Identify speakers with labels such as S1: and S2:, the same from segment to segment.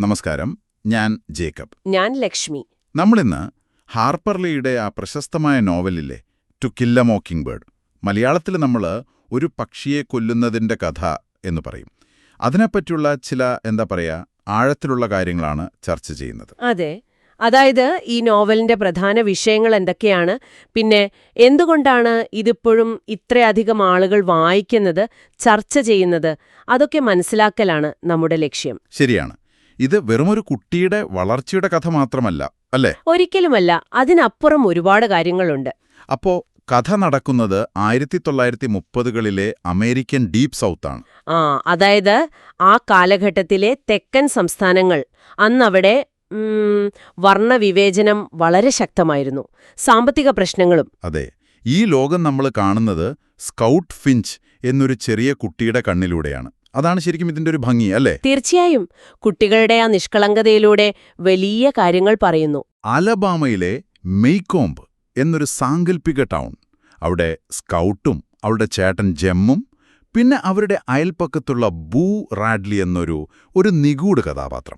S1: നമസ്കാരം, ഞാൻ ജേക്കബ്.
S2: ഞാൻ ലക്ഷ്മി.
S1: നമ്മളിന്ന് ഹാർപ്പർ ലീയുടെ ആ പ്രശസ്തമായ നോവലില്ലേ to kill a mockingbird, മലയാളത്തിൽ നമ്മൾ ഒരു പക്ഷിയെ കൊല്ലുന്നതിൻ്റെ കഥ എന്ന് പറയും. അതിനെപ്പറ്റിയുള്ള ചില ആഴത്തിലുള്ള കാര്യങ്ങളാണ് ചർച്ച ചെയ്യുന്നത്.
S2: അതെ, അതായത് ഈ നോവലിന്റെ പ്രധാന വിഷയങ്ങൾ എന്തൊക്കെയാണ്, പിന്നെ എന്തുകൊണ്ടാണ് ഇതിപ്പോഴും ഇത്രയധികം ആളുകൾ വായിക്കുന്നത്, ചർച്ച ചെയ്യുന്നത്, അതൊക്കെ മനസ്സിലാക്കലാണ് നമ്മുടെ ലക്ഷ്യം.
S1: ശരിയാണ്. ഇത് വെറുമൊരു കുട്ടിയുടെ വളർച്ചയുടെ കഥ മാത്രമല്ല, അല്ലേ?
S2: ഒരിക്കലുമല്ല, അതിനപ്പുറം ഒരുപാട് കാര്യങ്ങളുണ്ട്.
S1: അപ്പോ കഥ നടക്കുന്നത് 1930കളിലെ അമേരിക്കൻ ഡീപ് സൗത്താണ്.
S2: അതായത് ആ കാലഘട്ടത്തിലെ തെക്കൻ സംസ്ഥാനങ്ങൾ. അന്നവിടെ വർണ്ണവിവേചനം വളരെ ശക്തമായിരുന്നു, സാമ്പത്തിക പ്രശ്നങ്ങളും.
S1: അതെ, ഈ ലോകം നമ്മൾ കാണുന്നത് സ്കൗട്ട് ഫിഞ്ച് എന്നൊരു ചെറിയ കുട്ടിയുടെ കണ്ണിലൂടെയാണ്. അതാണ് ശരിക്കും ഇതിന്റെ ഒരു ഭംഗി, അല്ലേ?
S2: തീർച്ചയായും. കുട്ടികളുടെ ആ നിഷ്കളങ്കതയിലൂടെ വലിയ കാര്യങ്ങൾ പറയുന്നു.
S1: അലബാമയിലെ മെയ്കോംബ് എന്നൊരു സാങ്കല്പിക ടൗൺ. അവിടെ സ്കൗട്ടും അവളുടെ ചേട്ടൻ ജെമ്മും പിന്നെ അവരുടെ അയൽപ്പക്കത്തുള്ള ബൂ റാഡ്ലി ഒരു നിഗൂഢ കഥാപാത്രം.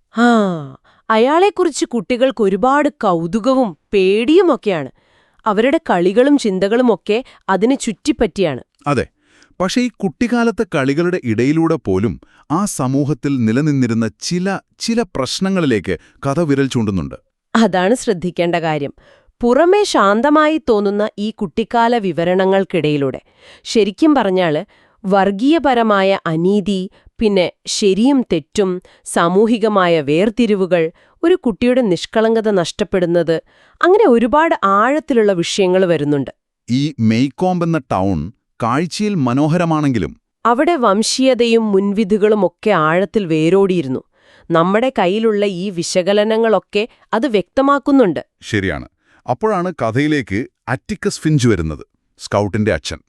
S2: അയാളെക്കുറിച്ച് കുട്ടികൾക്ക് ഒരുപാട് കൗതുകവും പേടിയുമൊക്കെയാണ്. അവരുടെ കളികളും ചിന്തകളുമൊക്കെ അതിന് ചുറ്റിപ്പറ്റിയാണ്.
S1: അതെ, പക്ഷേ ഈ കുട്ടിക്കാലത്തെ കളികളുടെ ഇടയിലൂടെ പോലും ആ സമൂഹത്തിൽ നിലനിന്നിരുന്ന ചില പ്രശ്നങ്ങളിലേക്ക് കഥ വിരൽ ചൂണ്ടുന്നുണ്ട്.
S2: അതാണ് ശ്രദ്ധിക്കേണ്ട കാര്യം. പുറമേ ശാന്തമായി തോന്നുന്ന ഈ കുട്ടിക്കാല വിവരണങ്ങൾക്കിടയിലൂടെ ശരിക്കും പറഞ്ഞാല് വർഗീയപരമായ അനീതി, പിന്നെ ശരിയും തെറ്റും, സാമൂഹികമായ വേർതിരിവുകൾ, ഒരു കുട്ടിയുടെ നിഷ്കളങ്കത നഷ്ടപ്പെടുന്നത്, അങ്ങനെ ഒരുപാട് ആഴത്തിലുള്ള വിഷയങ്ങൾ വരുന്നുണ്ട്.
S1: ഈ മെയ്കോംബ് എന്ന ടൗൺ കാഴ്ചയിൽ മനോഹരമാണെങ്കിലും
S2: അവിടെ വംശീയതയും മുൻവിധികളുമൊക്കെ ആഴത്തിൽ വേരോടിയിരുന്നു. നമ്മുടെ കയ്യിലുള്ള ഈ വിശകലനങ്ങളൊക്കെ അത് വ്യക്തമാക്കുന്നുണ്ട്.
S1: ശരിയാണ്. അപ്പോഴാണ് കഥയിലേക്ക് അറ്റിക്കസ് ഫിഞ്ച് വരുന്നത്, സ്കൗട്ടിന്റെ അച്ഛൻ.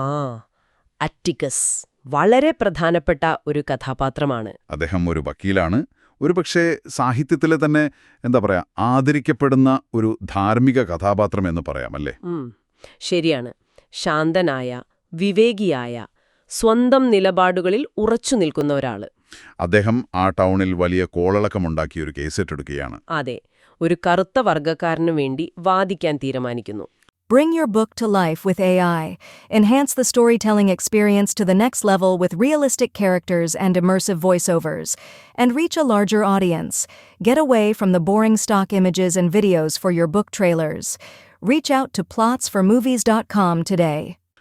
S2: അറ്റിക്കസ് വളരെ പ്രധാനപ്പെട്ട ഒരു കഥാപാത്രമാണ്.
S1: അദ്ദേഹം ഒരു വക്കീലാണ്, ഒരുപക്ഷെ സാഹിത്യത്തിലെ തന്നെ ആദരിക്കപ്പെടുന്ന ഒരു ധാർമ്മിക കഥാപാത്രം എന്ന് പറയാമല്ലേ?
S2: ശരിയാണ്. ശാന്തനായ, വിവേകിയായ, സ്വന്തം നിലപാടുകളിൽ ഉറച്ചു നിൽക്കുന്ന ഒരാള്.
S1: അദ്ദേഹം ആ ടൗണിൽ വലിയ കോളളക്കമുണ്ടാക്കി ഒരു കേസെറ്റെടുക്കുകയാണ്.
S2: അതെ, ഒരു കറുത്ത വർഗ്ഗക്കാരനു വേണ്ടി വാദിക്കാൻ തീരുമാനിക്കുന്നു.
S3: Bring your book to life with AI. Enhance the storytelling experience to the next level with realistic characters and immersive voiceovers. And reach a larger audience. Get away from the boring stock images and videos for your book trailers. Reach out to plotsformovies.com today.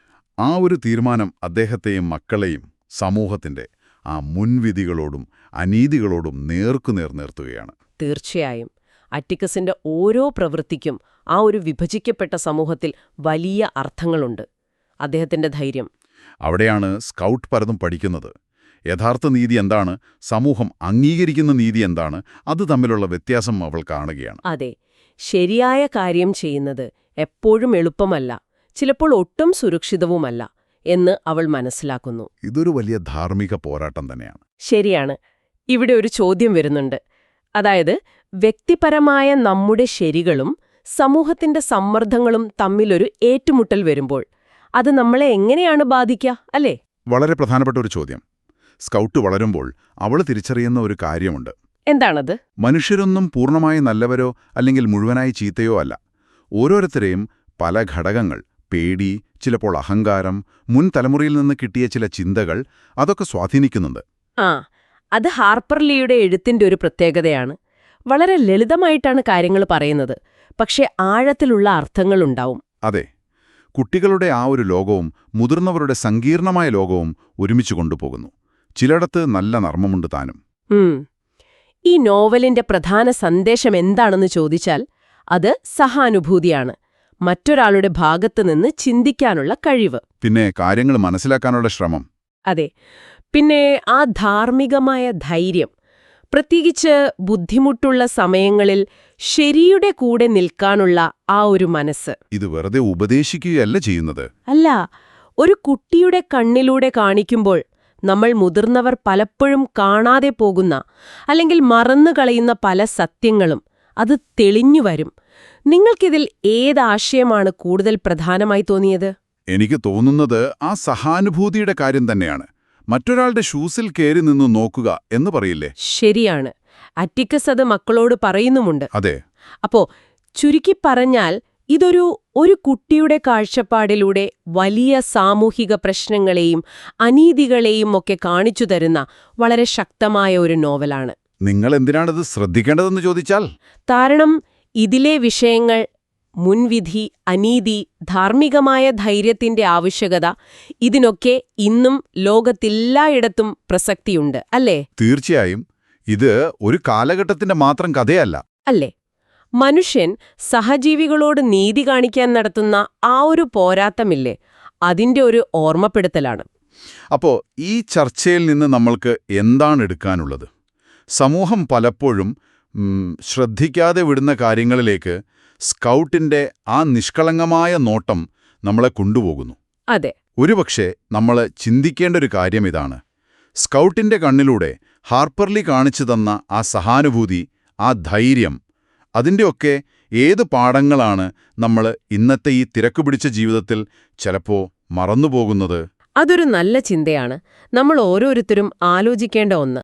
S1: ആ ഒരു തീരുമാനം അദ്ദേഹത്തെയും മക്കളെയും സമൂഹത്തിന്റെ ആ മുൻവിധികളോടും അനീതികളോടും നേർക്കുനേർ നിർത്തുകയാണ്.
S2: തീർച്ചയായും. അറ്റിക്കസിന്റെ ഓരോ പ്രവൃത്തിക്കും ആ ഒരു വിഭജിക്കപ്പെട്ട സമൂഹത്തിൽ വലിയ അർത്ഥങ്ങളുണ്ട്. അദ്ദേഹത്തിന്റെ ധൈര്യം.
S1: അവിടെയാണ് സ്കൗട്ട് പലതും പഠിക്കുന്നത്. യഥാർത്ഥ നീതി എന്താണ്, സമൂഹം അംഗീകരിക്കുന്ന നീതി എന്താണ്, അത് തമ്മിലുള്ള വ്യത്യാസം അവൾ കാണുകയാണ്.
S2: അതെ, ശരിയായ കാര്യം ചെയ്യുന്നത് എപ്പോഴും എളുപ്പമല്ല, ചിലപ്പോൾ ഒട്ടും സുരക്ഷിതവുമല്ല എന്ന് അവൾ മനസ്സിലാക്കുന്നു.
S1: ഇതൊരു വലിയ ധാർമ്മിക പോരാട്ടം തന്നെയാണ്.
S2: ശരിയാണ്. ഇവിടെ ഒരു ചോദ്യം വരുന്നുണ്ട്. അതായത്, വ്യക്തിപരമായ നമ്മുടെ ശരികളും സമൂഹത്തിന്റെ സമ്മർദ്ദങ്ങളും തമ്മിലൊരു ഏറ്റുമുട്ടൽ വരുമ്പോൾ അത് നമ്മളെ എങ്ങനെയാണ് ബാധിക്കുക, അല്ലേ?
S1: വളരെ പ്രധാനപ്പെട്ട ഒരു ചോദ്യം. സ്കൗട്ട് വളരുമ്പോൾ അവൾ തിരിച്ചറിയുന്ന ഒരു കാര്യമുണ്ട്.
S2: എന്താണത്?
S1: മനുഷ്യരൊന്നും പൂർണ്ണമായി നല്ലവരോ അല്ലെങ്കിൽ മുഴുവനായി ചീത്തയോ അല്ല. ഓരോരുത്തരെയും പല ഘടകങ്ങൾ, പേടി, ചിലപ്പോൾ അഹങ്കാരം, മുൻ തലമുറയിൽ നിന്ന് കിട്ടിയ ചില ചിന്തകൾ, അതൊക്കെ സ്വാധീനിക്കുന്നുണ്ട്.
S2: അത് ഹാർപ്പർ ലീയുടെ എഴുത്തിന്റെ ഒരു പ്രത്യേകതയാണ്. വളരെ ലളിതമായിട്ടാണ് കാര്യങ്ങൾ പറയുന്നത്, പക്ഷെ ആഴത്തിലുള്ള അർത്ഥങ്ങളുണ്ടാവും.
S1: അതെ, കുട്ടികളുടെ ആ ഒരു ലോകവും മുതിർന്നവരുടെ സങ്കീർണമായ ലോകവും ഒരുമിച്ച് കൊണ്ടുപോകുന്നു. ചിലയിടത്ത് നല്ല നർമ്മമുണ്ട് താനും.
S2: ഈ നോവലിന്റെ പ്രധാന സന്ദേശം എന്താണെന്ന് ചോദിച്ചാൽ അത് സഹാനുഭൂതിയാണ്. മറ്റൊരാളുടെ ഭാഗത്തുനിന്ന് ചിന്തിക്കാനുള്ള കഴിവ്,
S1: പിന്നെ കാര്യങ്ങൾ മനസ്സിലാക്കാനുള്ള ശ്രമം.
S2: അതെ, പിന്നെ ആ ധാർമ്മികമായ ധൈര്യം. പ്രത്യേകിച്ച് ബുദ്ധിമുട്ടുള്ള സമയങ്ങളിൽ ശരിയുടെ കൂടെ നിൽക്കാനുള്ള ആ ഒരു മനസ്സ്.
S1: ഇത് വെറുതെ ഉപദേശിക്കുകയല്ല ചെയ്യുന്നത്.
S2: അല്ല, ഒരു കുട്ടിയുടെ കണ്ണിലൂടെ കാണിക്കുമ്പോൾ നമ്മൾ മുതിർന്നവർ പലപ്പോഴും കാണാതെ പോകുന്ന അല്ലെങ്കിൽ മറന്നുകളയുന്ന പല സത്യങ്ങളും അത് തെളിഞ്ഞുവരും. നിങ്ങൾക്കിതിൽ ഏതാശയമാണ് കൂടുതൽ പ്രധാനമായി തോന്നിയത്?
S1: എനിക്ക് തോന്നുന്നത് ആ സഹാനുഭൂതിയുടെ കാര്യം തന്നെയാണ്. മറ്റൊരാളുടെ ഷൂസിൽ കയറി നിന്നു നോക്കുക എന്ന് പറയില്ലേ?
S2: ശരിയാണ്. അറ്റിക്കസ് അത് മക്കളോട് പറയുന്നുമുണ്ട്.
S1: അതെ.
S2: അപ്പോ ചുരുക്കി പറഞ്ഞാൽ ഒരു കുട്ടിയുടെ കാഴ്ചപ്പാടിലൂടെ വലിയ സാമൂഹിക പ്രശ്നങ്ങളെയും അനീതികളെയും ഒക്കെ കാണിച്ചു തരുന്ന വളരെ ശക്തമായ ഒരു നോവലാണ്.
S1: നിങ്ങൾ എന്തിനാണിത് ശ്രദ്ധിക്കേണ്ടതെന്ന് ചോദിച്ചാൽ?
S2: കാരണം ഇതിലെ വിഷയങ്ങൾ മുൻവിധി, അനീതി, ധാർമ്മികമായ ധൈര്യത്തിന്റെ ആവശ്യകത ഇതിനൊക്കെ ഇന്നും ലോകത്തെല്ലായിടത്തും പ്രസക്തിയുണ്ട്, അല്ലേ?
S1: തീർച്ചയായും. ഇത് ഒരു കാലഘട്ടത്തിന്റെ മാത്രം കഥയല്ല.
S2: അല്ലേ? മനുഷ്യൻ സഹജീവികളോട് നീതി കാണിക്കാൻ നടത്തുന്ന ആ ഒരു പോരാട്ടമില്ലേ, അതിന്റെ ഒരു ഓർമ്മപ്പെടുത്തലാണ്.
S1: അപ്പോ ഈ ചർച്ചയിൽ നിന്ന് നമ്മൾക്ക് എന്താണ് എടുക്കാനുള്ളത്? സമൂഹം പലപ്പോഴും ശ്രദ്ധിക്കാതെ വിടുന്ന കാര്യങ്ങളിലേക്ക് സ്കൗട്ടിന്റെ ആ നിഷ്കളങ്കമായ നോട്ടം നമ്മളെ കൊണ്ടുപോകുന്നു.
S2: അതെ.
S1: ഒരുപക്ഷെ നമ്മൾ ചിന്തിക്കേണ്ട ഒരു കാര്യം ഇതാണ്. സ്കൗട്ടിന്റെ കണ്ണിലൂടെ ഹാർപ്പർ ലീ കാണിച്ചു തന്ന ആ സഹാനുഭൂതി, ആ ധൈര്യം, അതിൻ്റെയൊക്കെ ഏത് പാഠങ്ങളാണ് നമ്മൾ ഇന്നത്തെ ഈ തിരക്കുപിടിച്ച ജീവിതത്തിൽ ചിലപ്പോ മറന്നുപോകുന്നത്?
S2: അതൊരു നല്ല ചിന്തയാണ്, നമ്മൾ ഓരോരുത്തരും ആലോചിക്കേണ്ട ഒന്ന്.